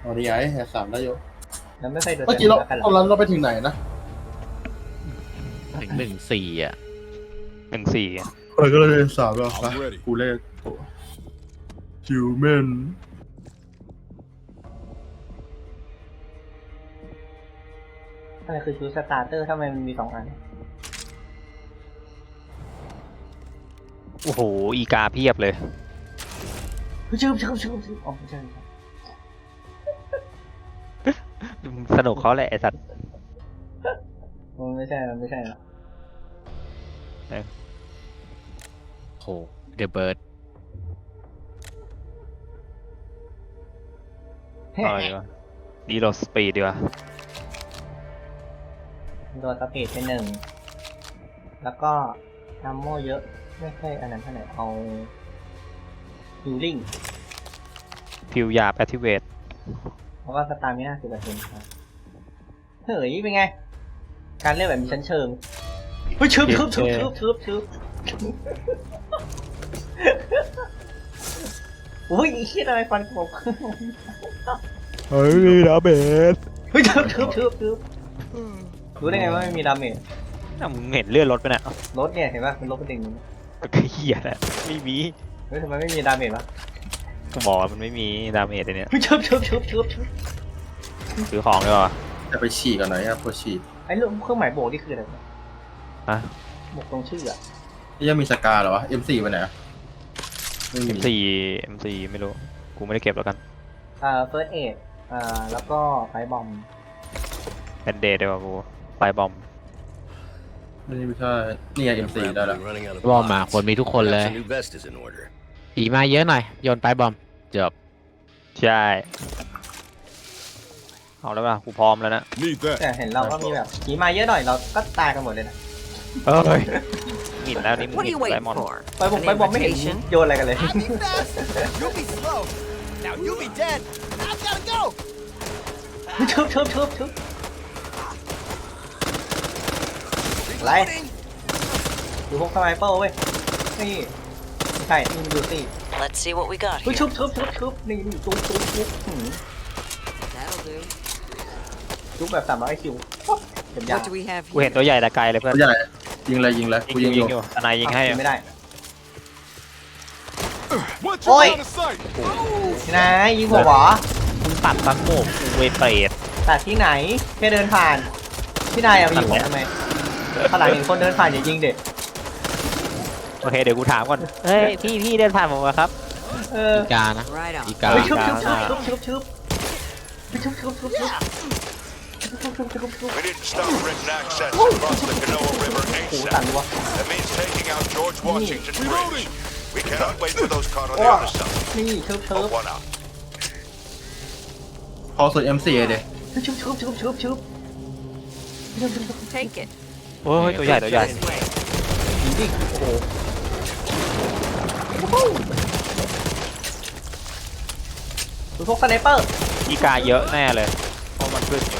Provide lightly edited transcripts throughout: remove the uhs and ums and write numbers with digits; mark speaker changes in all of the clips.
Speaker 1: อ๋อนี่ไงสามได้อยู่
Speaker 2: แล้วไม่เคยโดน
Speaker 1: เมื่อกี้เรา
Speaker 2: กันหร
Speaker 1: ตอน
Speaker 2: อ
Speaker 1: นั้นเราไปถึงไหนนะ
Speaker 3: ถึง14อ่ะ
Speaker 4: 14
Speaker 1: เออก็เลยสามแล้วไปกูเลขฮิวแมน
Speaker 2: อะไรคือชุดสตาร์เตอร์ทำไมมันมี2 อัน
Speaker 4: โอ้โหอีกาเพียบเลย
Speaker 2: ชื่ออ๋อไม่ใช่
Speaker 4: สนุกเขาแหละไอ้สัตว์
Speaker 2: มันไม่ใช่หรอก
Speaker 3: โหเดอะเบิร์ด
Speaker 4: เอาดีกว่าดีโรสปีดดีกว่า
Speaker 2: โดนสปีดไป1แล้วก็นัมโมเยอะไม่ใช่อันนั้นเท่าไหร่เอาฮิลลิ่ง
Speaker 4: พิวยาแอคทิเวต
Speaker 2: แล้วก็สตาร์มิน่า10%ครับเฮ้ยเป็นไง การเล่นแบบมีชั้นเชิงเฮ้ยชึบอุ้ยคิดอะไรฟันผม
Speaker 4: เฮ้ยดาเบส
Speaker 2: เฮ้ยชึบรู้ได้ไงว่าไม่มีดาเมจ
Speaker 4: มึงเห็นเลื่อนรถไปน่ะ
Speaker 2: รถเนี่ยเห็นป่ะมันลดเป็น1
Speaker 4: ก็เหี้ยแหละไม่มี
Speaker 2: เฮ้ยทำไมไม่มีดาเมจวะ
Speaker 4: ก็บอกว่ามันไม่มีดาเมจเลยเนี่ย
Speaker 2: เฮ้ยชึบ
Speaker 4: ซื้อของดีกว่า
Speaker 1: จะไปฉี่ก่อนหน่อยครับพอฉี่
Speaker 2: ไอ้เรื่องเครื่องหมายโบกนี่คืออะไรวะ
Speaker 4: ฮะ
Speaker 2: โบกตรงชื่ออะ
Speaker 1: นี่ยังมีสกาเหรอวะ M4 ไปไหนอะไม่มี
Speaker 4: M4 ไม่รู้กูไม่ได้เก็บแล้วกัน
Speaker 2: first aid แล้วก็ไฟบอม
Speaker 4: เป็นเดย์ดีกว่ากูไฟบอม
Speaker 1: ไม่ใช่นี่ไง M4 ได้ละ
Speaker 3: บอมมาคนมีทุกคนเลยผีมาเยอะหน่อยโยนไปบอมจบ
Speaker 4: ใช่เอาแล้วป่ะกูพร้อมแล้วนะ
Speaker 2: แต่เห็นเราก็มีแบบขี่มาเยอะหน่อยเราก็ตายกันหมดเลยนะ
Speaker 4: เอ้ยหมิ่นแล้วนี่มึง
Speaker 5: What
Speaker 4: ห
Speaker 5: are
Speaker 4: มิ่
Speaker 5: you
Speaker 4: นได
Speaker 5: waiting
Speaker 4: มอนด์
Speaker 5: for?
Speaker 2: ไปบอมไม่เห็นโยนอะไรกันเลย
Speaker 6: You'll be slow. Now you be dead. I've gotta go.
Speaker 2: ชึบอะไรดูพวกสไนเปอร์เว้ยนี่ไม่ใช่นี่มันดูสิ
Speaker 5: Let's see what we got
Speaker 2: เฮ้ย
Speaker 5: here.
Speaker 2: ชุบนี่จุ๊บ
Speaker 5: That'll do.
Speaker 2: จุ๊บแบบ300 คิวเก็บยา
Speaker 5: What do we have
Speaker 4: กูเห็น
Speaker 5: here?
Speaker 4: ตัวใหญ่แต่ไกลเลยเพื่อน
Speaker 1: ตัวใหญ่ยิงเลยกูยิง
Speaker 4: ยิ
Speaker 1: อง ยู่
Speaker 4: อยู่ทนายยิงให้
Speaker 2: ไม่ได้
Speaker 6: What's
Speaker 2: Oi.
Speaker 6: your line of sight?
Speaker 2: ที่ไหนยิงหัวหวอ
Speaker 4: มึงตัดตังโมกกูเวเปรต
Speaker 2: แต่ที่ไหนแค่เดินผ่านที่นายเอาไปยิงผมทำไมขนาดเห็นคนเดินผ่านอย่ายิงเด็ก
Speaker 4: โอเคเดี๋ยวกูถามก่อนเฮ้ยพี่เดินผ่านผมมาครับ
Speaker 3: อีกานะ
Speaker 5: Right
Speaker 3: อี
Speaker 5: on.
Speaker 3: กา
Speaker 2: เฮ้ยชุบ
Speaker 7: We need to stop Britain access across the Kanawha River
Speaker 2: โอ้โห
Speaker 7: ASAP.
Speaker 2: สั่นวะ
Speaker 7: That means taking out George Washington Bridge. We cannot wait for those caught on the
Speaker 2: Oh.
Speaker 7: other side.
Speaker 2: นี่เชิบ
Speaker 7: One out.
Speaker 1: พอสุด M4 เด็
Speaker 2: ชุบ
Speaker 5: Take it.
Speaker 4: โอ้ยตัวใหญ่
Speaker 5: This way.
Speaker 2: ยิงดิโอ้โหดูพวกสไนเปอร์
Speaker 4: อีกาเยอะแน่เลยเพราะมันขึ้นอยู่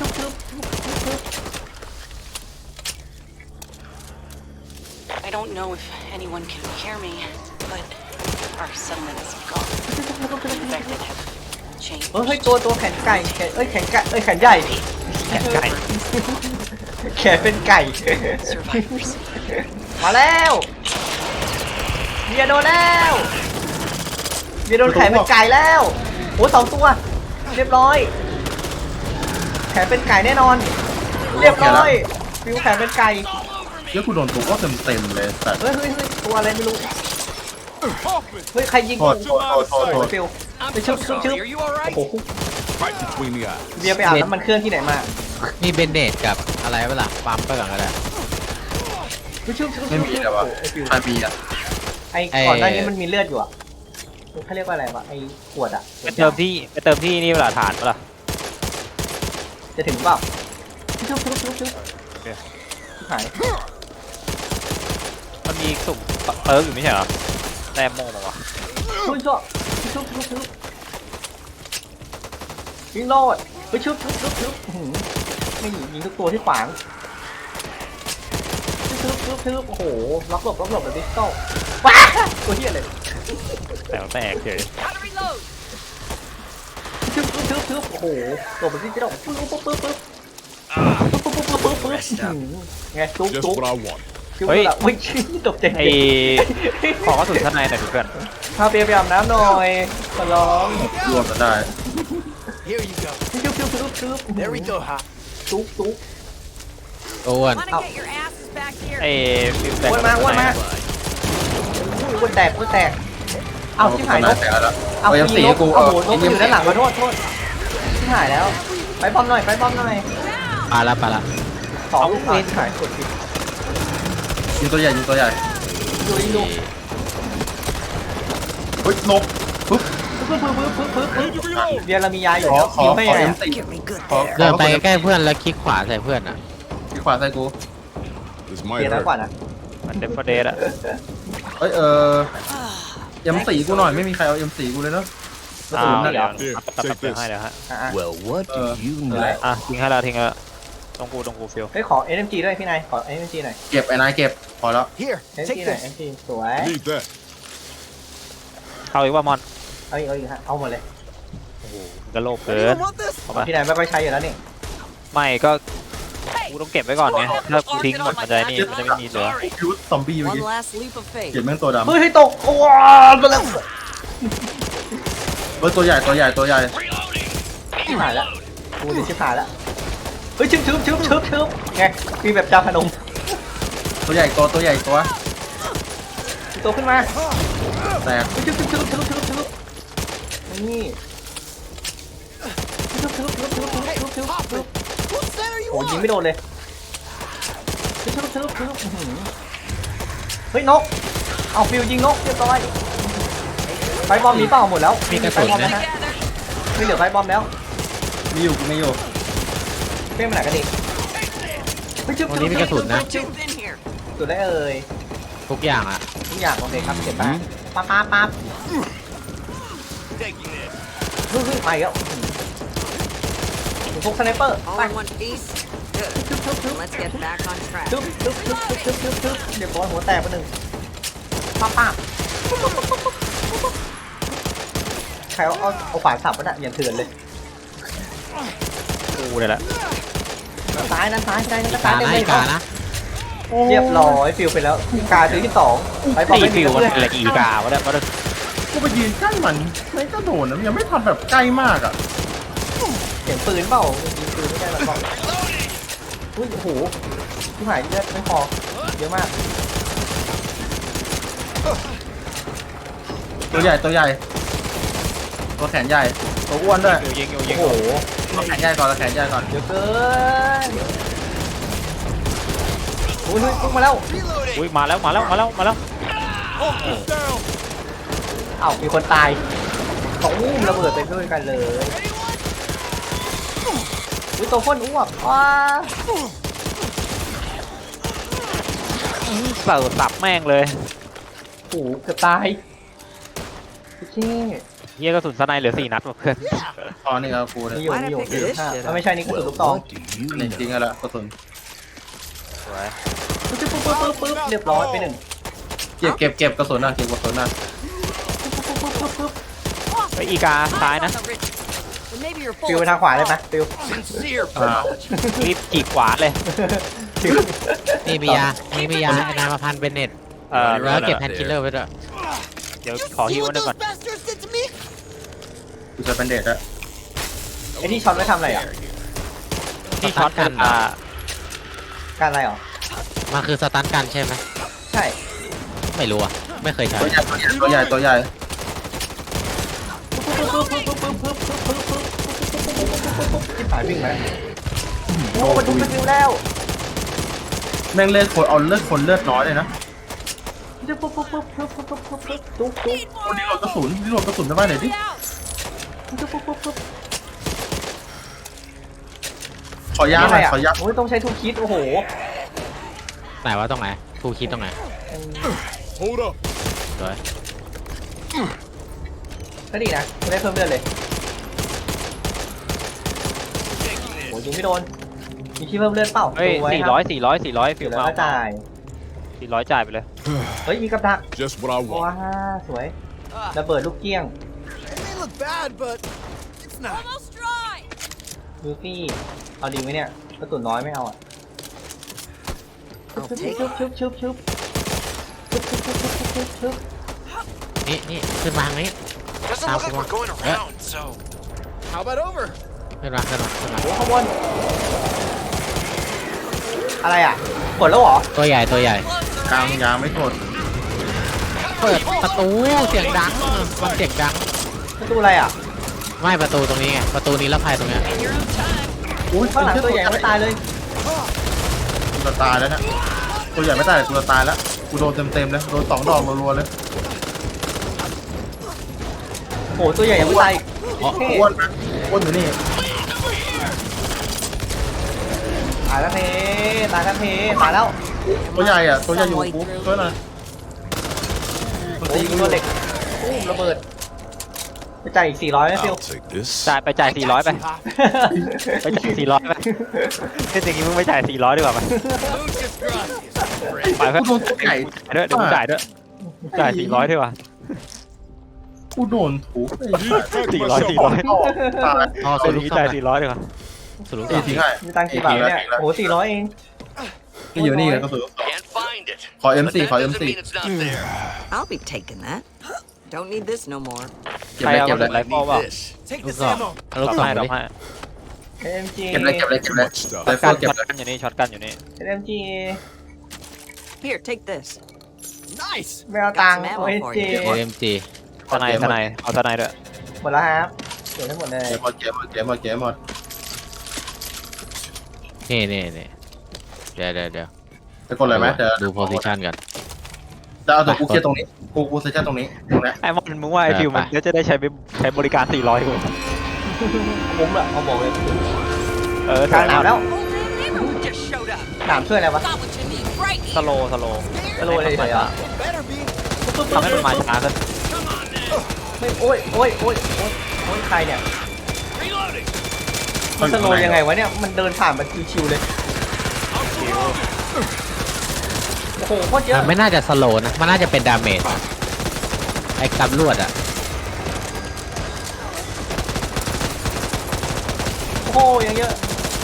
Speaker 8: I don't know if anyone can hear me, but our settlement is gone. The infected have changed.
Speaker 2: เฮ้ยตัวแขนไก่แขนไก่แขนใหญ่
Speaker 4: แขนไก่
Speaker 2: แขนเป็นไก่
Speaker 8: Survivors.
Speaker 2: มาแล้วเบียร์โดนแล้วเบียร์โดนแขนเป็นไก่แล้วโอ้2 ตัวเรียบร้อยแขนเป็นไก่แน่นอน เรียบร้อยฟิวแขนเป็นไก่
Speaker 1: เดี๋ยวกูโดนตัวก็เต็มเลยแต่
Speaker 2: เฮ้ยตัวอะไรไม่รู้เฮ้ยใครยิง
Speaker 1: โทษ
Speaker 2: ฟิวไปชุบ
Speaker 6: Are you all right?
Speaker 2: โอ้โห
Speaker 6: Right between the eyes.
Speaker 2: เบียร์ไปอาบน้ำมันเครื่องที่ไหนมา
Speaker 3: นี่เบนเดดกับอะไรเวลาปั๊มไปก่อนก็ได้
Speaker 2: ชุบ
Speaker 1: ไม่มีเลยวะใครมีอ่ะ
Speaker 2: ไอ้ก่อนหน้านี้มันมีเลือดอยู่อ่ะเขาเรียกว่าอะไรวะไอ้ขวดอ่ะ
Speaker 4: ไปเติมที่นี่เวลาฐานเปล่า
Speaker 2: จะถึงเปล่าชุบหาย
Speaker 4: มันมีสุ่มเติร์กอยู่ไม่ใช่เหรอแต้มโม่มาวะ
Speaker 2: ชุบยิงโลดไปชุบไม่ยิงทุกตัวที่ขวางชุบโอ้โหล็อกหลบแบบดิสโต้ว้าตัวเหี้ยเลย
Speaker 4: แต่แตกเฉย
Speaker 2: ชุบชึบโอ้โหตัวมันที่จะต้องปึ๊บปึ๊บปึ๊บปึ๊บปึ๊บไงตุ๊บ
Speaker 7: Just
Speaker 2: ตุ๊บ
Speaker 7: what I want.
Speaker 2: คิวละอุ้ยตกใจ
Speaker 4: ไอขอกระสุนข้างในหน่อยดิเพื่อน
Speaker 2: พาเปียไปอาบน้ำหน่อยขอร้อง
Speaker 1: รวมกันได้
Speaker 6: Here you go.
Speaker 2: ชึบชึบชึบชึบ
Speaker 6: There we go, Hop.
Speaker 2: ตุ๊บตุ๊บ
Speaker 3: อ้วน
Speaker 5: Want to get your asses back here?
Speaker 4: ไอฟิวแตก
Speaker 2: อ้วนมาอ้วนมาอ้วนแตกอ้วนแตกเอาชิบหายนก
Speaker 1: แต่แล้ว
Speaker 2: เอา
Speaker 1: เอายัง
Speaker 2: ยิ
Speaker 1: สี
Speaker 2: งนก
Speaker 1: กู
Speaker 2: เอาโหนกอยู่ด้านหลังมาโทษชิบหายแล้วไปบอมหน่อยไปบอมหน่อย
Speaker 3: ปลาละปลาละ
Speaker 2: สองลูกเวนหายกดผิด
Speaker 1: ยิงตัวใหญ่ยิงตัวใหญ่
Speaker 2: ดูยิงดู
Speaker 1: เฮ้ยนกปึ๊บ
Speaker 2: ปึ๊บปึ๊บปึ๊บปึ๊บปึ๊บปึ๊บเบียร์เรามียาอยู่
Speaker 1: ขอ
Speaker 2: แล้ว
Speaker 1: ขอ
Speaker 2: ยิงไม่
Speaker 1: ขอ
Speaker 2: ไง
Speaker 1: เอ็ม
Speaker 2: อะ
Speaker 1: สี่
Speaker 5: Get me good
Speaker 1: ขอ
Speaker 3: เดินไปใกล้ๆเพื่อนแล้วคลิกขวาใส่เพื่อนอ่ะ
Speaker 1: ที่ขวาใส่กู
Speaker 7: This
Speaker 2: เบีย
Speaker 7: might
Speaker 2: ร์น้อยกว่า
Speaker 7: hurt.
Speaker 2: นะ
Speaker 4: มันเดฟเดสอะ
Speaker 1: เอ้ยเอ็มสี่กูหน่อยไม่มีใครเอาเอ็มสี่กูเลยเนาะกระ
Speaker 4: อ้า
Speaker 1: สุน
Speaker 4: ว
Speaker 1: นั่น
Speaker 4: เดี๋ยว
Speaker 7: Here,
Speaker 4: ตัด
Speaker 7: take
Speaker 4: เดี๋ยว
Speaker 7: this.
Speaker 4: ให้เดี๋ยวฮะ
Speaker 2: อ่ะ
Speaker 6: Well, what do you know?
Speaker 4: อ่ะทิ้งให้แล้วทิ้งแล้วตรงกูฟิว
Speaker 2: เฮ้ยขอ NMG ด้วยพี่นายขอ NMG หน่อย
Speaker 1: เก็บไอ้นายเก็บพอแล้ว
Speaker 6: Here,
Speaker 2: NMG
Speaker 6: take
Speaker 2: หน่อย
Speaker 6: this.
Speaker 2: NMG สวย
Speaker 7: Need that.
Speaker 4: เข้าอีกว่ามอน
Speaker 2: เอาอีกฮะเอาหมดเลย
Speaker 4: กระโลกเกิน
Speaker 6: Anyone want this?
Speaker 4: เอามา
Speaker 2: พี่นายไม่ค่อยใช้อยู่แล้วนี่
Speaker 4: ไม่ก็กูต้องเก็บไว้ก่อนไงถ้ากูทิ้งหมดมันจะนี่มันจะไม่มีเหลือ
Speaker 1: พิวซอมบี้เมื่อ
Speaker 5: One
Speaker 1: กี้
Speaker 5: last leap of faith.
Speaker 1: เก็บแม่งตัวดำ
Speaker 2: เฮ้ยตกโอ้ยมาแล้ว
Speaker 1: เฮ้ยตัวใหญ่ตัวใหญ่ตัวใหญ่
Speaker 2: ชิบหายแล้วกูจะชิบหายแล้วเฮ้ยชึบไงมีแบบจาพนม
Speaker 1: ตัวใหญ่ตัวใหญ่ตัว
Speaker 2: ตัวขึ้นมา
Speaker 1: แตก
Speaker 2: ชึบนี่ชึบ
Speaker 6: What center you
Speaker 2: โอ้ยิง
Speaker 6: on?
Speaker 2: ไม่โดนเลยชึบเฮ้ยนกเอาฟิวยิงนกเรียบร้อยไฟบอมหนีเปล่าหมดแล้ว
Speaker 3: มีกระสุน
Speaker 2: ไฟบอม
Speaker 3: นะ
Speaker 2: แล้วฮะไม่เหลือไฟบอมแล้ว
Speaker 1: มีอยู่กูไม่อยู่
Speaker 2: เพ่งไปไหนกันอีกเฮ้ยชึบ
Speaker 3: วันนี้มีกระสุนนะ
Speaker 5: Jump in here.
Speaker 2: สุดได้เอ่ย
Speaker 3: ทุกอย่างอ่ะ
Speaker 2: ทุกอย่างโอเคครับเก็บไปปั๊บ
Speaker 6: Taking this.
Speaker 2: เฮ้ยไปแล้วพวกสไนเปอร์
Speaker 5: All
Speaker 2: ไป
Speaker 5: in one piece? Good. Let's get back on track.
Speaker 2: ชึบเดี๋ยวบอลหัวแตกไปหนึ่งปั๊บใครเอาขวานสับมันอะอย่างเถื่อนเลย
Speaker 4: กูเลยแหละ
Speaker 2: ด้านซ้ายด้านซ้ายเต็ม
Speaker 3: กานะ
Speaker 2: เลย
Speaker 3: กานะ
Speaker 2: เรียบร้อยฟิวไปแล้วกาซื้อที่สองไปบอล
Speaker 4: ตี
Speaker 2: ไม่มี
Speaker 4: ฟิวมัน
Speaker 2: เพื่อน
Speaker 4: เป็นอะไรอีกาวะเนี่ยมัน
Speaker 1: กูไปยืนใกล้มันไม่ก็โดนนะยังไม่ทันแบบใกล้มากอ่ะ
Speaker 2: เสียงปืนเปล่ายิงปืนไม่ได้หรอกบอกอุ้ยโอ้โหที่หายเลือดไม่พอเยอะมาก
Speaker 1: ตัวใหญ่ตัวแขนใหญ่ตัวอ้วนด้วย
Speaker 4: ยิง
Speaker 2: โอ้โห
Speaker 1: ตัวแขนใหญ่ก่อนตัวแขนใหญ่ก่อน
Speaker 2: เยอะเกินอุ้ยพุ่งมาแล้ว
Speaker 6: Reloading.
Speaker 4: อุ้ยมาแล้ว
Speaker 2: อ้าวมีคนตายสองอุ้มระเบิดไปด้วยกันเลยอุ้ยตัวพ่นอ้วกว้า
Speaker 4: เสิร์ฟสับแม่งเลย
Speaker 2: โอ้โหเกือบตายโอเค
Speaker 4: เฮียกระสุนสไนเหลือ4 นัดว่ะเพื่อน
Speaker 1: ตอนนี้เอากูเลย
Speaker 2: มีอยู่ถ้าไม่ใช่นี่ก็สุดลูกตอง
Speaker 6: What do you
Speaker 1: นี่
Speaker 6: know?
Speaker 1: จริงๆแล้วกระสุน
Speaker 4: สวย
Speaker 2: ปึ๊บเรียบร้อยไปหนึ่ง
Speaker 1: เก็บกระสุนนะเก็บกระสุนนะ
Speaker 4: ไปอีกาซ้ายนะ
Speaker 5: On the ridge. But maybe your
Speaker 2: ฟิวไป
Speaker 5: bullets
Speaker 2: ทางขวาเลยไหมฟิว
Speaker 6: Sincere
Speaker 1: อ่า
Speaker 6: apology.
Speaker 4: รีบจีกขวาเลย
Speaker 2: ฟิว
Speaker 3: นี่มียานี่มียาไอ้นายมาพันเป็นเน็ตแล้วเก็บแพนคิลเลอร์ไว้ด้วย
Speaker 4: เดี๋ยวขอฮิวนึงก่อน
Speaker 6: bastards did to me?
Speaker 1: กูจะเป็นเด็ดอะ
Speaker 2: ไอ้ที่ช็อตไม่ทำอะไรอ่ะ
Speaker 4: ที่ช็อตกัน
Speaker 2: การอะไรหรอ
Speaker 3: มันคือสตันกันใช่ไหม
Speaker 2: ใช่
Speaker 3: ไม่รู้อ่ะ ไม่เคยใช้
Speaker 1: ตัวใหญ่ตัวใหญ่
Speaker 2: ที่ผ่านวิ่งไหมโอ้มันทุกสกิลแล้ว
Speaker 1: แม่งเลือดคนเอาเลือดคนเลือดน้อยเลยนะ
Speaker 2: ตุ๊ก
Speaker 1: คนนี้โหลดกระสุนได้ไหมหน่อยดิขอยาหน่อยขอยา
Speaker 2: โอ้ยต้องใช้ทูคิดโอ้โห
Speaker 3: ไหนว่าตรงไหนครูคิดตรงไหน
Speaker 7: Hold up.
Speaker 3: สวย
Speaker 2: ก็ดีนะไม่ได้เพิ่มเลือดเลยโอ้ยยิงไม่โดนมีที่เพิ่มเลือดเปล่า
Speaker 4: เฮ้ย 400ฟิ
Speaker 2: ฟิ
Speaker 4: ว
Speaker 2: วแล้ว
Speaker 4: มา
Speaker 2: ก็จ่าย
Speaker 4: 400จ่ายไปเลย
Speaker 2: เฮ้ยมีกับดัก
Speaker 7: Just what I
Speaker 2: ว้า
Speaker 7: want.
Speaker 2: สวยระเบิดลูกเกี้ยง
Speaker 6: It may look bad, but it's not.
Speaker 5: Almost dry.
Speaker 2: ลูฟี่เอาดีไหมเนี่ยกระสุนน้อยไม่เอาอ่ะ
Speaker 5: I'll
Speaker 2: ชุบ
Speaker 5: take
Speaker 2: ชุบ
Speaker 5: it.
Speaker 2: ชุบชุบชุบชุบชุบชุบชุบชุบชุบชุบ
Speaker 3: นี่ขึ้นมาทางนี้
Speaker 7: Doesn't look like we're going around, so.
Speaker 6: How about over?
Speaker 3: ขึ้นมา
Speaker 2: โอ้ข้างบนอะไรอ่ะกดแล้วเหรอ
Speaker 3: ตัวใหญ่
Speaker 1: กลางยางไม่กด
Speaker 3: เปิดประตูเสียงดังมันเสียงดัง
Speaker 2: ประตูอะไรอ่ะ
Speaker 3: ไม่ประตูตรงนี้ไงประตูนี้แล้วภายตรงเนี้ย
Speaker 1: อุ้ย
Speaker 2: ข้างหลังตัวใหญ่ไม่ตายเลย
Speaker 1: กูจะตายแล้วเนะตัวใหญ่ไม่ตายแต่กูจะตายแล้วกูโดนเต็มเลยโดน2 ดอกรัวๆเลย
Speaker 2: โอ้ตัวใหญ่ยังไม่ตาย
Speaker 1: อ้วนนะอ้วนอยู่นี่
Speaker 2: ตายแล้วเทตายแล้วเทตายแล้ว
Speaker 1: ตัวใหญ่อ่ะตัวใหญ่อยู่กูช่วยหน่อยมัน
Speaker 2: โอ้
Speaker 1: ตี
Speaker 2: ย
Speaker 1: กู
Speaker 2: ตัวเล็กตุ้มระเบิดไปจ่ายอีก400นะฟิว
Speaker 7: I'll take this.
Speaker 4: จ่าย400ไปไปจ่าย400ไปเล่นอย่างงี้มึงไปจ่าย400ดีกว่าไปไปเพื่อน
Speaker 1: กูโดนตัวใหญ่
Speaker 4: ด้วยเดี๋ยวมึงจ่ายด้วยจ่าย400ดีกว่า
Speaker 1: กูโดนถูกไอ้
Speaker 4: 400
Speaker 1: ตาย
Speaker 3: อ๋อ
Speaker 4: เอา
Speaker 3: สุ
Speaker 4: ลู
Speaker 3: ลุ
Speaker 4: ก
Speaker 3: ก
Speaker 4: จ่าย
Speaker 3: ซ่อม
Speaker 4: 400ดีกว่า
Speaker 3: สุลุก
Speaker 1: ตี
Speaker 3: ซ่อม
Speaker 1: ทิ้งให้
Speaker 2: มีตังค์กี่บาทเนี่ยโอ้400เอง
Speaker 1: ก็อยู่นี่ก็คือ
Speaker 7: Can't find it.
Speaker 1: ขอ M4 ขอ
Speaker 7: Doesn't
Speaker 1: M4
Speaker 7: mean it's not there.
Speaker 5: I'll be taking that. Don't need this no more.
Speaker 1: เก็บเลยเก็บเลย
Speaker 4: ไรฟอลเปล่า
Speaker 7: This.
Speaker 6: Take
Speaker 3: ลูก
Speaker 6: this
Speaker 3: ซ่อม
Speaker 6: ammo.
Speaker 3: เอาลูก
Speaker 4: ดอก
Speaker 3: ซ่อม
Speaker 4: ให้ดอก
Speaker 3: ดิ
Speaker 4: ให้
Speaker 2: MG
Speaker 1: เก็บเลยเก็บเลยเก็บเลยไล
Speaker 4: ช็อต
Speaker 1: เฟิ
Speaker 4: กัน
Speaker 1: ลเก็บเลย
Speaker 4: อยู่นี่ช็อตกันอยู่นี่
Speaker 2: MG
Speaker 5: Here, take this.
Speaker 6: Nice.
Speaker 2: ไม่เอาตังค์โอ้ยเจ
Speaker 3: AMG
Speaker 4: ทนายเอาทนายด้วย
Speaker 2: หมดแล้วครับเก็บได้หมดเลย
Speaker 1: เก็บหมดเก็บหมดเก็บหมดเก็บหมด
Speaker 3: นี่เดี๋ยว
Speaker 1: จะกดเลยไหมเดี๋ยว
Speaker 3: ดูโพซิชันกัน
Speaker 1: จะเอาตัวกูเคลียร์ตรงนี้กูเซตตรงนี้ตรงนี้
Speaker 4: ไอ้มันมึงว่าไอ้ฟิวมันจะได้ใช้บริการ400กู
Speaker 2: คุ้มอะเอาบอกเลย
Speaker 4: ก
Speaker 2: ลางหนาวแล้ว
Speaker 8: Just showed up.
Speaker 2: หนามช่วยอะไรวะ
Speaker 8: Got what you need right
Speaker 4: สโลว์
Speaker 2: สโลว์เลยเฉยๆอ่ะ
Speaker 6: Better be.
Speaker 4: ทำให้มันมาช้าขึ้น
Speaker 2: ไม่โอ้ยโอ้ยโอ้ยโอ้ยโอ้ยใครเนี่ยมันสโลว์ยังไงวะเนี่ยมันเดินผ่านแบบชิวๆเลยโอ้โหโคตรเยอะ
Speaker 3: มันไม่น่าจะสโลว์นะมันน่าจะเป็นดาเมจไอ้กำลวดอ่ะ
Speaker 2: โอ้โหยังเยอะ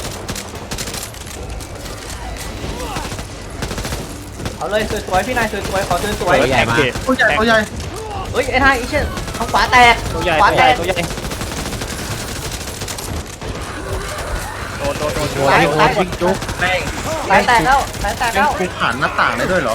Speaker 2: เอาเลยสวยๆพี่นายสวยๆขอสวย
Speaker 3: ตัวใหญ่มาก
Speaker 1: ตัวใหญ่ตัวใหญ่
Speaker 2: ๆเฮ้ยไอ้ทายอีเช่นทางขวาแตก
Speaker 4: ตัวใหญ่
Speaker 2: ขวาแตก
Speaker 4: ตัวใหญ่โดน
Speaker 3: ตัวที่โคตรวิ่งจุ๊ก
Speaker 1: แม่ง
Speaker 2: สายแตกแล้วสายแตก
Speaker 1: แม่
Speaker 2: แล้
Speaker 1: ง
Speaker 2: ว
Speaker 1: กูผ่านหน้าต่างได้ด้วยเหรอ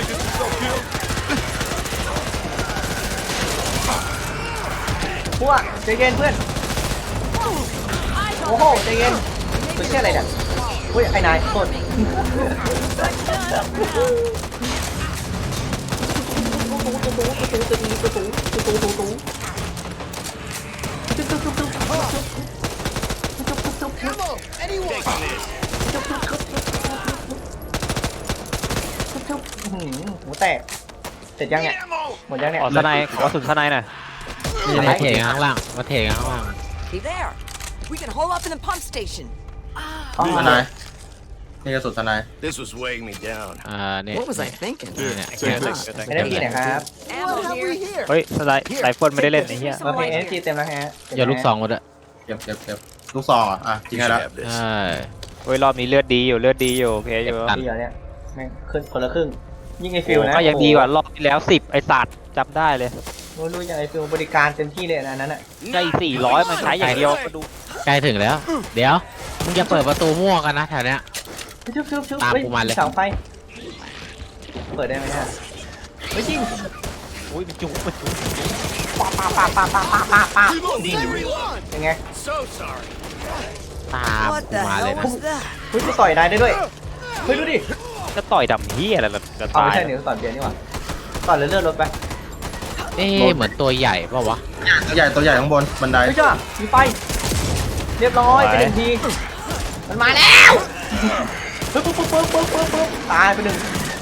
Speaker 2: พวกใจเย็นเพื่อนโอ้โหใจเย็นตัวเช่อะไรเนี่ยอุ้ยไอ้นายโทษหูแตกเสร็จยังเนี่ยหมดยังเนี่ย
Speaker 4: ขอทนายขอสุดทนายหน่อย
Speaker 3: นี่มาเทกันข้างล่างมาเทกันข้างล่าง
Speaker 5: See there. We can hole up in the pump station.
Speaker 1: ทนายนี่กระสุนทนาย
Speaker 7: This was weighing me down.
Speaker 3: เนี่ย
Speaker 5: What was I thinking?
Speaker 3: เนี่ย
Speaker 2: ไม่ได้พี่นะครับ
Speaker 5: Ammo here.
Speaker 6: here?
Speaker 4: เฮ้ยไรเฟิลไม่ได้เล่นไอ้เหี้ย
Speaker 2: โอเคเอสจีเต็มแล้วฮะ
Speaker 3: อย่าลูกซองมาด้วย
Speaker 1: เก็บลูกซองอ่ะจริง
Speaker 7: You
Speaker 1: ไง
Speaker 7: should
Speaker 1: แล้ว
Speaker 7: have this.
Speaker 3: ใช่
Speaker 4: เฮ้ยรอบนี้เลือดดีอยู่โอเคอยู่
Speaker 3: ตัด
Speaker 2: ดีเหรอเนี่ยแม่งขึ้นคนละครึ่งยิ่งไอฟิลนะ
Speaker 4: ก็ยังดีกว่ารอบที่แล้ว10ไอ้สัตว์จำได้เลย
Speaker 2: รู้อย่างไอฟิลบริการเต็มที่เลยอันนั้นอ่ะ
Speaker 4: ใช่400มันใช้อย่างเดียวก็ดู
Speaker 3: ใกล้ถึงแล้ว เดี๋ยวมึงจะเปิดประตูมั่วกันนะแถวเนี้ย
Speaker 2: ชุบ
Speaker 3: ตามกูมาเลย
Speaker 2: เสาไฟเปิดได้ไหมฮะไม่จริง
Speaker 4: อุ้ยมันจุ๊บ
Speaker 2: ป้าเป็นไง
Speaker 7: So sorry.
Speaker 3: ตาม
Speaker 5: What
Speaker 3: กู
Speaker 5: the
Speaker 3: มาเลย
Speaker 5: hell
Speaker 3: นะ
Speaker 5: was that?
Speaker 2: เฮ้ยกูต่อยนายได้ด้วยเฮ้ยดูดิ
Speaker 4: จะต่อยดำเหี้ยอะไรจะ
Speaker 2: เอา
Speaker 4: ตาย
Speaker 2: ไม่ใช่หนิวต่อยเบียร์นี่หว่าต่อยเลื่อนรถไป
Speaker 3: เอ๊ะเหมือนตัวใหญ่ป่าวะ
Speaker 1: ตัวใหญ่ข้างบนบันได
Speaker 2: เฮ้ยจ้ามีไฟเรียบร้อยไปหนึ่งทีมันมาแล้วปึ๊บตายไปหนึ่ง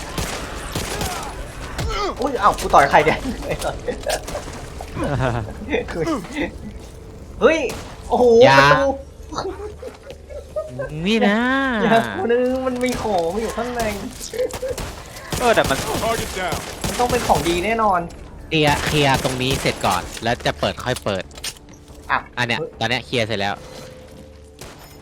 Speaker 2: อุ้ยเอ้ากูต่อยใครเนี่ยเฮ้ยโอ้โหประตู
Speaker 3: นี่นะ
Speaker 2: คนนึงมันมีของอยู่ข้างใน
Speaker 4: แต่มัน
Speaker 7: Target down.
Speaker 2: มันต้องเป็นของดีแน่นอน
Speaker 3: เคลียร์ตรงนี้เสร็จก่อน แล้วจะเปิดค่อยเปิด
Speaker 2: อ่ะ
Speaker 3: อันเนี้ยตอนเนี้ยเคลียร์เสร็จแล้ว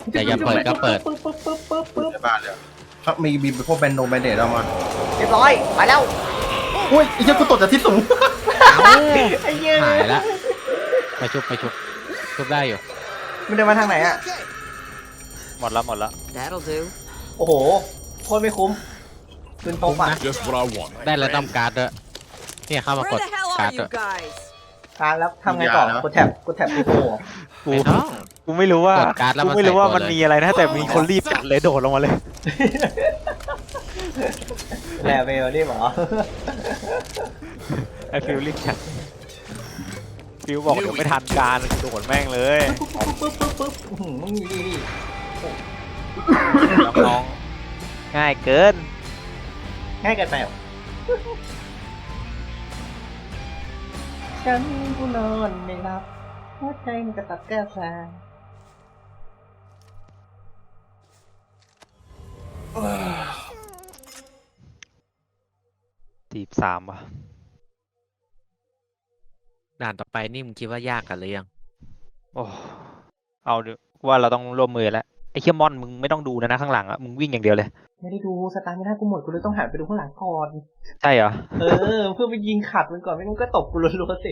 Speaker 3: แต่อย่าเปิดก็เปิด
Speaker 2: ปึ๊บปึ๊บปึ๊บปึ๊บปึ๊บ
Speaker 1: ในบ้านเลยครับมีพวกแบนเดตเอามา
Speaker 2: เรียบร้อยไปแล้ว
Speaker 1: อุ้ยไอ้เจ้ากูตกจากที่สูง
Speaker 2: ไอ้เหี้ย
Speaker 3: หายละไปชุบชุบได้อยู่
Speaker 2: มันเดินมาทางไหนอ่ะ
Speaker 4: หมดแล้วหมดแล้ว
Speaker 5: That'll do.
Speaker 2: โอ้โหโคตรไม่คุ้มปืนพกอ่ะ
Speaker 7: Just what I want.
Speaker 3: ได้แล้วต้องการ์ดด้วยเนี่ยเข้ามากด
Speaker 5: Where the hell
Speaker 3: การ์
Speaker 5: are
Speaker 3: ดด้ว
Speaker 5: you
Speaker 3: ย
Speaker 5: guys?
Speaker 2: ค้างแล้วทำไงต่อกดแท็บที่โผล่
Speaker 4: กู
Speaker 3: ไม่ต้อง
Speaker 4: กูไม่รู้ว่าก
Speaker 3: ดการ์ดแล้ว
Speaker 4: กู
Speaker 3: มัน
Speaker 4: ไม่รู้ว่า
Speaker 3: ใส่ตัว
Speaker 4: มัน
Speaker 3: เลย
Speaker 4: มีอะไรนะแต่มีคนรีบจัดเลยโดดลงมาเลย
Speaker 2: แลเวลนี่หรอ
Speaker 4: ไอฟิลรีบจัดฟิลบอกเดี๋ยวไม่ทันการโดดแม่งเลย
Speaker 2: ปึ๊บปึ๊บปึ๊บอื้อหือมึงมีดีดิ
Speaker 4: น้องๆง่ายเกิน
Speaker 2: ง่ายเกินไปเหรอฉันกูนอนไม่หลับหัวใจมันกระตับแก้วซา
Speaker 4: 43ว่ะ
Speaker 3: ด่านต่อไปนี่มึงคิดว่ายากกันหรือยัง
Speaker 4: โอ้เอาดิว่าเราต้องร่วมมือแล้วไอ้เคียมอนมึงไม่ต้องดูนะข้างหลังอะมึงวิ่งอย่างเดียวเลย
Speaker 2: ไม่ได้ดูสตาร์ไม่ได้กูหมดกูเลยต้องหันไปดูข้างหลังก่อน
Speaker 4: ใช่เหรอ
Speaker 2: เเพื่อไปยิงขัดมันก่อนไม่งั้นก็ตบกูรัวๆสิ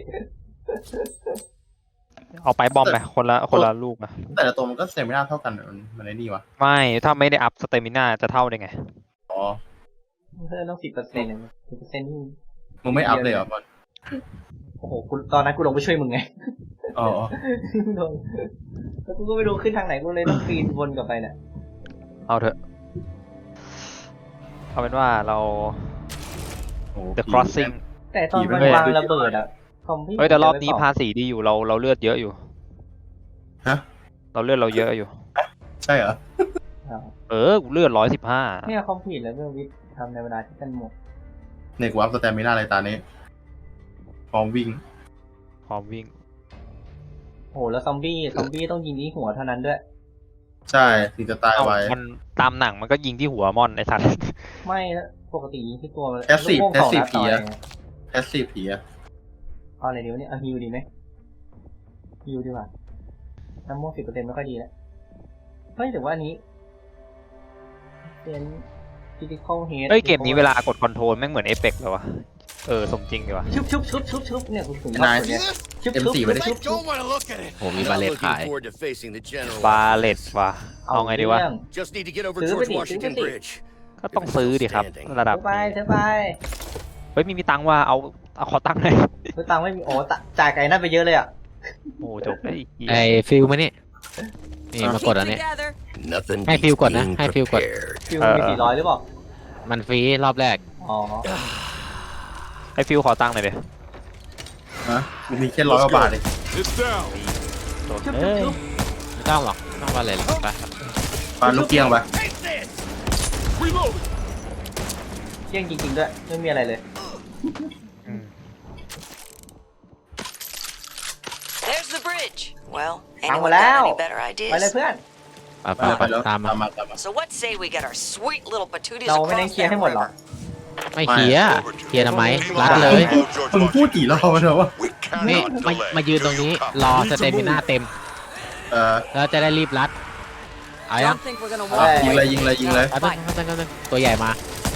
Speaker 4: เอาไปบอมไปคนละลูกนะ
Speaker 1: แต่ละตัวมันก็เซมิน่าเท่ากันมันไอ้นี่วะ
Speaker 4: ไม่ถ้าไม่ได้อัพสเตมิน่าจะเท่าได้ไง
Speaker 1: อ๋อ
Speaker 2: เพื่อนต้อง10%เนี่ย10%นี่
Speaker 1: มึงไม่อัพเลยเหรอบอล
Speaker 2: โอ้โหกูตอนนั้นกูลงไปช่วยมึงไง
Speaker 1: อ๋อ
Speaker 2: โดนแล้วกูก็ไม่รู้ขึ้นทางไหนกูเลยต้องปีนวนกลับไปเนี่ย
Speaker 4: เอาเถอะเอาเป็นว่าเรา
Speaker 1: โอ้
Speaker 4: The Crossing
Speaker 2: แต่ตอนมันวางระเบิดอะคอมพี่
Speaker 4: เฮ้ยแต่รอบนี้ภาษีดีอยู่เราเลือดเยอะอยู่
Speaker 1: ฮะ
Speaker 4: เราเลือดเราเยอะอยู่
Speaker 1: ใช่เหรอ
Speaker 4: กูเลือด115
Speaker 2: เนี่ยคอมพิวแล้วเรื่องวิทย์ทำในเวลาที่กันหมด
Speaker 1: ในกูอัพสแตมิน่าอะไรตานี้พร้อมวิ่ง
Speaker 4: พร้อมวิ่ง
Speaker 2: โอ้โหแล้วซอมบี้ต้องยิงที่หัวเท่านั้นด้วย
Speaker 1: ใช่ถึงจะตาย
Speaker 4: เอ้า
Speaker 1: ไว
Speaker 4: มันตามหนังมันก็ยิงที่หัวมอนไอ้สัตว์
Speaker 2: ไม่นะปกติยิงที่ตัว
Speaker 1: Passive
Speaker 2: ลูกโป่งสองนัด
Speaker 1: Passive
Speaker 2: ต่อ
Speaker 1: ผีอะ
Speaker 2: ไง
Speaker 1: แพสซีฟผีอะ
Speaker 2: เอาอะไรดีวะเนี่ยเอาฮิวดีไหมฮิวดีกว่าน้ำโม่10%ไม่ค่อยดีแล้วเฮ้ยแต่ว่าอันนี้เป็นcritical hit
Speaker 4: เฮ้ยเกมนี้เวลากดคอนโทรลแม่งเหมือนเอฟเฟกต์เลยวะสมจริงดีวะ
Speaker 2: ชุบเนี่ยคุณถึงชอบตัวเนี้ยชุบ
Speaker 1: M4 ไม่ได้
Speaker 2: ชุบ
Speaker 7: Don't want to look at it.
Speaker 3: โหมีบาเลตขาย
Speaker 7: forward to facing the general.
Speaker 4: บาเลตว่ะเอาไงดีวะ
Speaker 2: เรื่อง
Speaker 7: Just need to get over
Speaker 2: ซื้อไป
Speaker 7: George
Speaker 2: ดิ
Speaker 7: Washington
Speaker 2: ซื้อไปดิ
Speaker 7: Bridge.
Speaker 4: ก็ต้องซื้อดิครับ ระดับ
Speaker 2: เธอไป
Speaker 4: นี้
Speaker 2: เธอไป
Speaker 4: เฮ้ยมีตังค์ว่าเอาขอตังค์หน่อย
Speaker 2: เธอตังค์ไม่มีโอ้จ่ายไก่นั่นไปเยอะเลยอ่ะ
Speaker 4: โอ้จบไอ้เหี้ย
Speaker 3: ไอ้ฟิลมานี่นี่มากด
Speaker 5: Keep
Speaker 3: อันนี้
Speaker 5: together.
Speaker 7: Nothing
Speaker 3: ให้ฟิล
Speaker 7: beats
Speaker 3: กดนะ
Speaker 7: being
Speaker 3: ให้ฟิลกด
Speaker 7: prepared.
Speaker 2: ฟิวมี400หรือเปล่า
Speaker 3: มันฟรีรอบแรก
Speaker 2: อ๋อ
Speaker 4: ไอ้ฟิวขอตังค์หน่อยดิ
Speaker 1: ฮะมันมีแค่100 กว่าบาทเอง
Speaker 7: It's down.
Speaker 4: โดนเอ้ย
Speaker 3: ไม่ต้องหรอกไม่ต้องบาเลตหรอกไป
Speaker 1: ปาลูกเกี้ยงไป
Speaker 7: Take this. Reload.
Speaker 2: เที่ยงจริงๆด้วยไม่มีอะไรเลย
Speaker 4: อืม
Speaker 8: There's the bridge. Well,
Speaker 2: Ăn
Speaker 8: anyone
Speaker 2: vào
Speaker 8: got
Speaker 2: lao.
Speaker 8: any better
Speaker 2: ไปเลย
Speaker 8: ideas?
Speaker 2: เพื่อน
Speaker 3: ไป
Speaker 1: ไปแล้ว
Speaker 3: ตามมา
Speaker 1: มา
Speaker 8: So what say we get our sweet little patooties
Speaker 2: เราไม่ได้
Speaker 8: across
Speaker 2: เคลียร์
Speaker 8: that
Speaker 2: ให้หมดหรอ
Speaker 8: river?
Speaker 3: ไม่เคลียร์เคลียร์ทำไมรัดเลย
Speaker 1: มึงพูดกี่รอบแล้ววะ
Speaker 7: We
Speaker 3: นี่
Speaker 7: cannot
Speaker 3: มา
Speaker 7: delay.
Speaker 3: ยืนตรงนี้รอสเตมิน่าเต็ม แล้วจะได้รีบรัดเอายัง
Speaker 5: Don't think we're gonna
Speaker 2: ได้
Speaker 5: walk
Speaker 1: ยิงเลยยิงเลยยิงเลย
Speaker 3: แป๊บนึงตัวใหญ่มา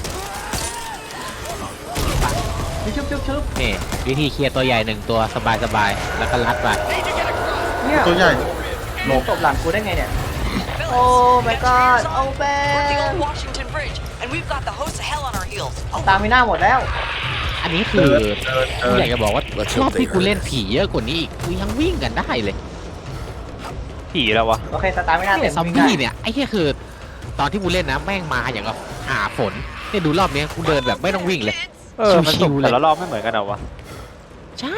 Speaker 2: ชุบ
Speaker 3: นี่วิธีเคลียร์ตัวใหญ่1ตัวสบายๆแล้วก็รัดไป
Speaker 2: เนี่ย
Speaker 1: ตัวใหญ่หลบ
Speaker 2: ตบหลังกูได้ไงเนี่ย
Speaker 8: Fellas,
Speaker 2: Oh
Speaker 8: you
Speaker 2: my
Speaker 8: got your ears
Speaker 2: God,
Speaker 8: on?
Speaker 2: oh
Speaker 8: We're at the
Speaker 2: man.
Speaker 8: old Washington Bridge, and we've got the hosts of hell on our heels.
Speaker 2: ตามไม่น่าหมดแล้ว
Speaker 3: อันนี้คือกูอยากจะบอกว่ารอบที่กูเล่นผีเยอะกว่านี้อีกกูยังวิ่งกันได้เลย
Speaker 4: ผีแล้ววะ
Speaker 2: โอเคสตาร์ไม่น่า
Speaker 3: เนี่
Speaker 2: เต็
Speaker 3: ย
Speaker 2: ม
Speaker 3: ซอมบี้เนี่ยไอ้แค่คือ ตอนที่กูเล่นนะแม่งมาอย่างกับหาฝนเนี่ยดูรอบนี้กูเดินแบบไม่ต้องวิ่งเลย
Speaker 4: มัน
Speaker 3: ชิ
Speaker 4: ต
Speaker 3: ว
Speaker 4: ก
Speaker 3: ๆเลย
Speaker 4: แต่ละรอบไม่เหมือนกันเหรอวะ
Speaker 3: ใช่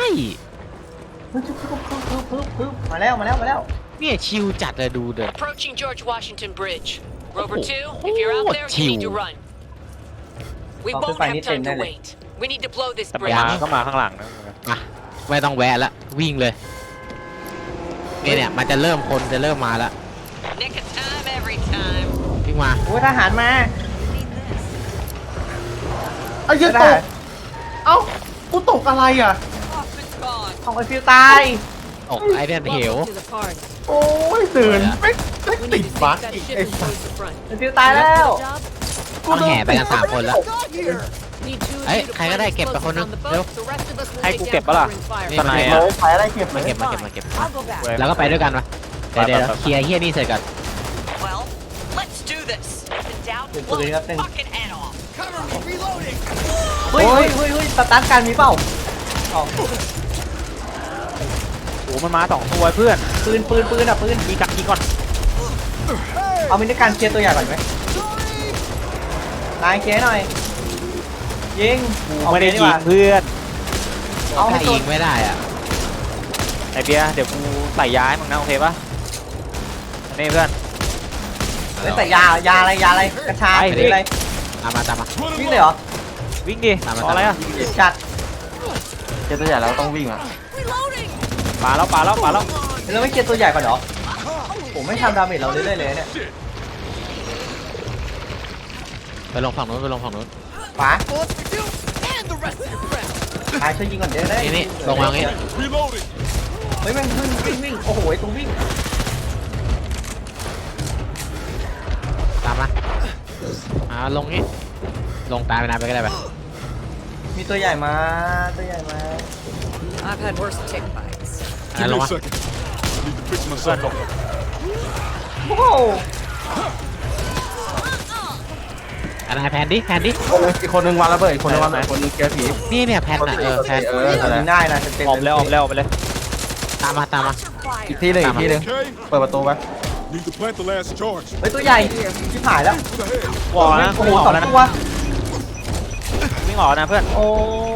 Speaker 2: ปึ๊บมาแล้ว
Speaker 3: เนี่ยชิวจัดเลยดูเดิน
Speaker 8: Approaching George Washington Bridge. Rover
Speaker 3: Oh,
Speaker 8: 2, if you're out there, you need to
Speaker 3: chill.
Speaker 8: run. We
Speaker 2: Oh,
Speaker 8: won't
Speaker 2: phải
Speaker 8: have
Speaker 2: đi
Speaker 8: time
Speaker 2: tìm
Speaker 8: to
Speaker 2: đây này.
Speaker 8: wait. We need to blow this
Speaker 4: แต่
Speaker 8: bridge.
Speaker 4: มาก็มาข้างหลังนะ
Speaker 3: อ่ะไม่ต้องแวะละวิ่งเลยเนี่ยมันจะเริ่มคนจะเริ่มมาละ
Speaker 8: Nick of time every time.
Speaker 3: วิ่งมา
Speaker 2: โอ้ยทหารมา
Speaker 1: ไอ้เหี้ยตกเอ้ากูตกอะไรอ่ะ
Speaker 8: Off it's gone.
Speaker 2: ของไอฟิวตาย
Speaker 3: ออกไอ้เนี่ยเหว
Speaker 5: Welcome to the party.
Speaker 1: โอ้ยตื่นไม่ติดบักอีกไอ้สัส
Speaker 2: เป็นฟิวตายแล้ว
Speaker 3: ต้องแห่ไปกัน3 คนแล้ว
Speaker 6: Not here.
Speaker 3: เอ้ยใครก็ได้เก็บไปคนนึงเร็ว
Speaker 4: ให้กูเก็บปะล่ะ
Speaker 3: นี่
Speaker 4: ทนาย
Speaker 3: มา
Speaker 4: อะ
Speaker 1: ขายอะไรเก็บเลย
Speaker 3: เก็บมาเก็บแล้วก็ไปด้วยกันวะเดี๋ยวเคลียร์เฮียนี่เสร็จก่อน
Speaker 8: Well, let's do this. If in doubt,
Speaker 2: Good
Speaker 8: blow
Speaker 2: for you,
Speaker 8: his
Speaker 2: Captain.
Speaker 8: fucking head off.
Speaker 6: Cover me. Reloading.
Speaker 2: เฮ้ยสตาร์ทการมีเปล่าอ๋อ
Speaker 4: โอ้มันมา2 ตัวเพื่อน
Speaker 2: ปืนอ่ะปืน
Speaker 4: ยิงก่อน
Speaker 2: เอามินิการเคลียร์ตัวใหญ่ก่อนไหมนายเคลียร์หน่อยยิง
Speaker 4: กูไม่ได้ยิงเพื่อน
Speaker 2: เอาให้
Speaker 3: ถ้า
Speaker 2: ตัว
Speaker 3: ยิงไม่ได้อ่ะ
Speaker 4: ไอเบียร์เดี๋ยวกูใส่ย้ายมึงนะโอเคปะนี่เพื่อน
Speaker 2: เฮ้ยแต่ยาอะไรกระชาย
Speaker 4: ไป
Speaker 2: หรืออะไร
Speaker 3: ตามมา
Speaker 2: วิ่งเลยเหรอ
Speaker 4: วิ่งดิ
Speaker 3: ตามมา
Speaker 4: รออะไรอะ
Speaker 2: จัด
Speaker 1: เจอตัวใหญ่แล้วต้องวิ่งอ่ะ
Speaker 4: ปาแล้ว
Speaker 2: แล้วไม่เคลียร์ตัวใหญ่ก่อนเหรอผมไม่ทำดาเมจเราเรื่อยๆเลยเนี่ย
Speaker 3: ไปลงฝั่งนู้น
Speaker 2: ขวา
Speaker 6: Bullets for you and the rest of your friends.
Speaker 2: นายช่วยยิงก่อนเดี๋ยวได้
Speaker 3: นี่ลงมางี้
Speaker 7: Reloading.
Speaker 2: เฮ้ยแม่งวิ่งโอ้โหไอ้ตรงวิ่ง
Speaker 3: ตามมาลงงี้ลงตายไปนะไปก็ได้ไป
Speaker 2: มีตัวใหญ่มา
Speaker 5: I've had worse tick bites.
Speaker 3: ลงมา
Speaker 7: second. I need to fix
Speaker 4: เพื่อน
Speaker 7: myself
Speaker 4: ลง
Speaker 7: up.
Speaker 2: โอ้โห
Speaker 3: อันไหนแพนดิ
Speaker 1: อีกคนนึงวางระเบิดอีกคนนึงวางระเบิดคนนึงเกียร์ผี
Speaker 3: นี่เนี่ยแพนอ่ะแพน
Speaker 2: ยิงได้นะเต็ม
Speaker 4: ออกไปเลย
Speaker 3: ตามมา
Speaker 1: อีกที่หนึง
Speaker 7: Okay.
Speaker 1: เปิดประตูไป
Speaker 7: Need to plant the last charge.
Speaker 2: เฮ้ยตัวใหญ่ชิบหายแล้ว
Speaker 7: To the head.
Speaker 4: วอลนะ
Speaker 2: โอ้โห
Speaker 4: วิ่งออก
Speaker 2: สอง
Speaker 4: แล้วนะ
Speaker 2: ตัว
Speaker 4: วิ่งออกนะเพื่อน
Speaker 2: โอ้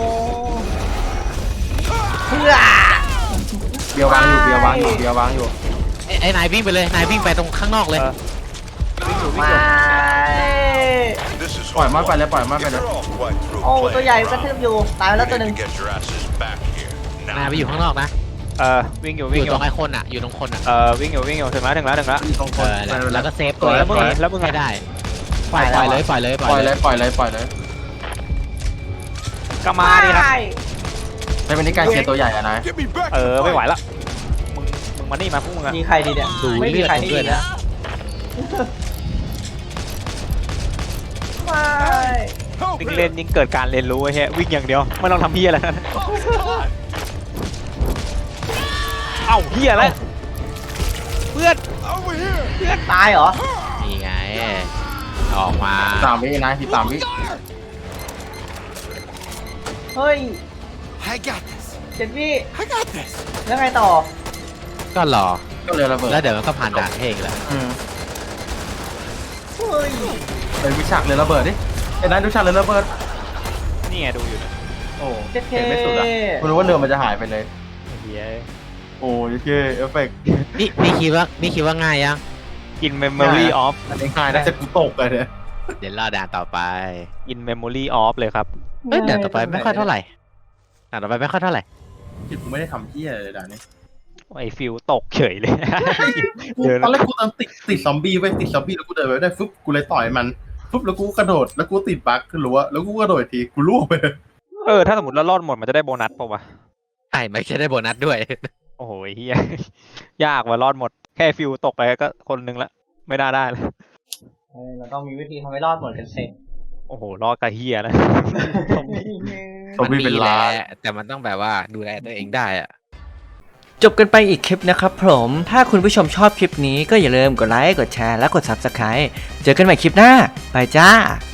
Speaker 2: เพื่อ
Speaker 1: เบียร์วางอยู่
Speaker 3: ไอ้นายวิ่งไปเลยนายวิ่งไปตรงข้างนอกเลย
Speaker 2: ไม่
Speaker 7: This is
Speaker 1: ปล่อยมัน
Speaker 7: hard
Speaker 1: ไปเลย
Speaker 7: work. They're all quite through
Speaker 2: โอ้
Speaker 7: playing.
Speaker 2: ตัวใหญ่กระทืบอยู่ตายไปแล้วตัวหนึ่ง
Speaker 7: Get your asses back here.
Speaker 3: นาย
Speaker 7: Now.
Speaker 3: ไปอยู่ข้างนอกนะ
Speaker 4: วิ่งอยู่
Speaker 3: อยู่ตรงไอ้คนอ่ะอยู่ตรงคนอ่ะ
Speaker 4: วิ่งอยู่ถึงแล้ว
Speaker 1: ตรงคน
Speaker 3: แล้วก็เซฟตัว
Speaker 4: แล้วมึงอะ
Speaker 3: ให้ได้ปล่อยเลย
Speaker 1: ปล่อยเลย
Speaker 4: ก็มาดิครับ
Speaker 1: ในวันนี้การเคลียร์ตัวใหญ่อะนาย
Speaker 7: Get me back.
Speaker 4: ไม่ไหวละมึงมานี่มาพวกมึงอะ
Speaker 2: ยิงใครดีเนี่ย
Speaker 3: ดู
Speaker 2: ไม่มี
Speaker 3: เลือด
Speaker 2: ใคร
Speaker 3: ผม
Speaker 2: ให้
Speaker 3: ด้
Speaker 2: ยิ
Speaker 3: วย
Speaker 2: ง
Speaker 3: นะ
Speaker 2: นะไม่
Speaker 7: Help
Speaker 4: วิ่ง
Speaker 7: here.
Speaker 4: เล่นยิ่งเกิดการเรียนรู้ไอ้เหี้ยวิ่งอย่างเดียวไม่ต้องทำเหี้ยอะไรนะเอ้าเหี้ยแล้วเพื่อน
Speaker 7: Over here.
Speaker 2: ตายเหรอ
Speaker 3: นี่ไงออกมา
Speaker 1: 3 วินะที่3 วิ
Speaker 2: เฮ้ย
Speaker 6: I got this.
Speaker 2: เจ็ดวิ
Speaker 6: I got this.
Speaker 2: แล้วไงต่อ
Speaker 3: ก็รอ
Speaker 1: ก็เลยระเบิด
Speaker 3: แล้วเดี๋ยวมันก็ผ่านด่านเพลงแล้ว
Speaker 2: เฮ้ย
Speaker 1: เป็นวิชากเลยระเบิดดิไอ้นายดูฉากเลยระเบิด
Speaker 4: นี่ไงดูอยู่นะ
Speaker 1: โอ้
Speaker 2: เจ็ดเค
Speaker 1: เห็นไม่สุดอ่ะคุณรู้ว่าเรือมันจะหายไปเลย
Speaker 4: เหี้ย
Speaker 1: โอ้ยเอฟเฟกต์
Speaker 3: นี่คิดว่าง่ายยัง
Speaker 4: in memory of
Speaker 1: อันนี้ง่ายนะจะกูตกเลยเนี่ย
Speaker 3: เดี๋ยวรอด่านต่อไป
Speaker 4: in memory of เลยครับ
Speaker 3: ด่านต่อไปไม่ค่อยเท่าไหร่
Speaker 1: ผิดกูไม่ได้ทำเหี้ยเลยด่านนี้
Speaker 4: ไอ้ฟิวตกเฉยเลย เดิน
Speaker 1: ตอนแรกกูติดซอมบี้ไว้ติดซอมบี้แล้วกูเดินไปได้ฟึบกูเลยต่อยมันฟึบแล้วกูกระโดดแล้วกูติดบั๊กขึ้นรั้วแล้วกูกระโดดอีกทีกูล่วงไปเลย
Speaker 4: ถ้าสมมติเรารอดหมดมันจะได้โบนัสป่าวะ
Speaker 3: ใช่ไม่ใช่ได้โบนัสด้วย
Speaker 4: โอ้โหเฮีย ยากว่ารอดหมดแค่ฟิวตกไปก็คนนึงละไม่น่าได้เลย
Speaker 2: เราต้องมีวิธีทำให้รอดหมดกันเสร็จ
Speaker 4: โอ้โหรอดกับเฮียนะ
Speaker 1: ซอมบี้เป็นล้าน
Speaker 3: แต่มันต้องแบบว่าดูแลตัวเองได้อะ
Speaker 2: จบกันไปอีกคลิปนะครับผม ถ้าคุณผู้ชมชอบคลิปนี้ก็อย่าลืมกดไลค์ กดแชร์ และกด Subscribe เจอกันใหม่คลิปหน้า ไปจ้า